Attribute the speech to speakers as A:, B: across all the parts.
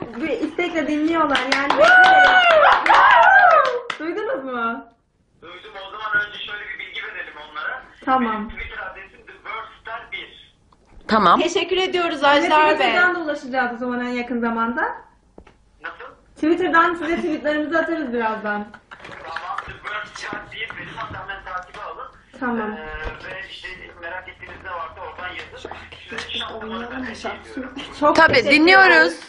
A: bir istekle dinliyorlar yani. Duydunuz mu?
B: Duydum. O zaman önce şöyle bir bilgi verelim onlara.
A: Tamam.
B: Benim Twitter adresim TheWordstar1.
C: Tamam.
D: Teşekkür ediyoruz
A: Size
D: Ajdar Bey.
A: Twitter'dan da ulaşacağız o zaman en yakın zamanda.
B: Nasıl?
A: Twitter'dan size tweetlerimizi atarız birazdan.
B: Tamam. TheWordstar1 benim hatta hemen takibi alın.
A: Tamam.
B: Ve işte merak ettiğiniz ne varsa oradan yazın. Size şarkıları ben ediyorum.
A: Çok
C: Tabii
A: teşekkür
C: dinliyoruz.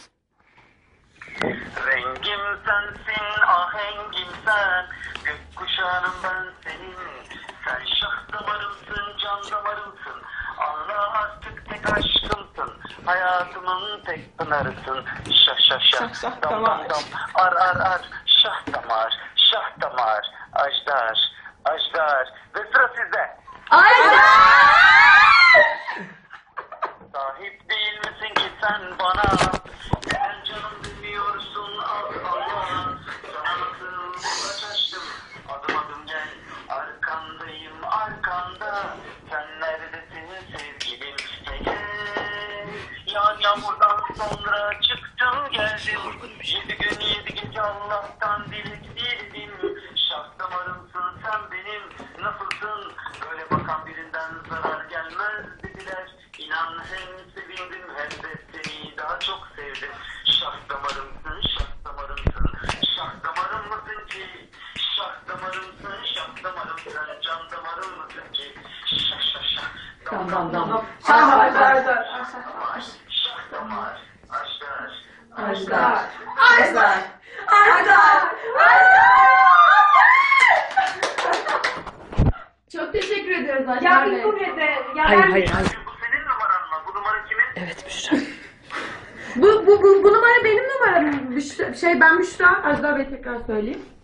B: Rengim sensin, ahengim sen, gökkuşağım ben senin. Sen şah damarımsın, can damarımsın, Allah artık tek aşkımsın. Hayatımın tek pınarısın, şah şah şah,
D: şah
B: dam
D: damar.
B: dam dam, ar ar ar, şah damar, şah damar, ajdar, ajdar. Ve sıra sizde. Sahip değil misin ki sen bana? Neden canım bilmiyorsun Allah? Sana nasıl kulaç açtım? Adım adım gel, arkandayım arkanda. Sen neredesin sevgilim? Gel. Yağan yağmurdan sonra çıktım geldim. 7 gün 7 gece Allah'tan dilek diledim. Şah damarımsın sen benim. Nasılsın? Böyle bakan birinden zarar gelmez dediler. İnan hem sevindim hem de seni daha çok sevdim. Şah damarımsın, şah damarımsın. Şah damarım mısın ki? Şah damarımsın, şah damarımsın. Can damarım mısın ki? Şah şah şah. Dam dam dam. Şah damar, şah damar. Ajdar, ajdar.
A: Çok teşekkür ediyoruz
D: Ya
A: Ajdar
D: bir
A: Bey.
D: kuvvete. Ya
C: Hayır
D: ben-
C: hayır hayır.
B: Bu senin numaran mı? Bu numara kimin?
C: Evet Büşra.
A: Bu numara benim numaram. Ben Büşra. Ajdar Bey tekrar söyleyeyim.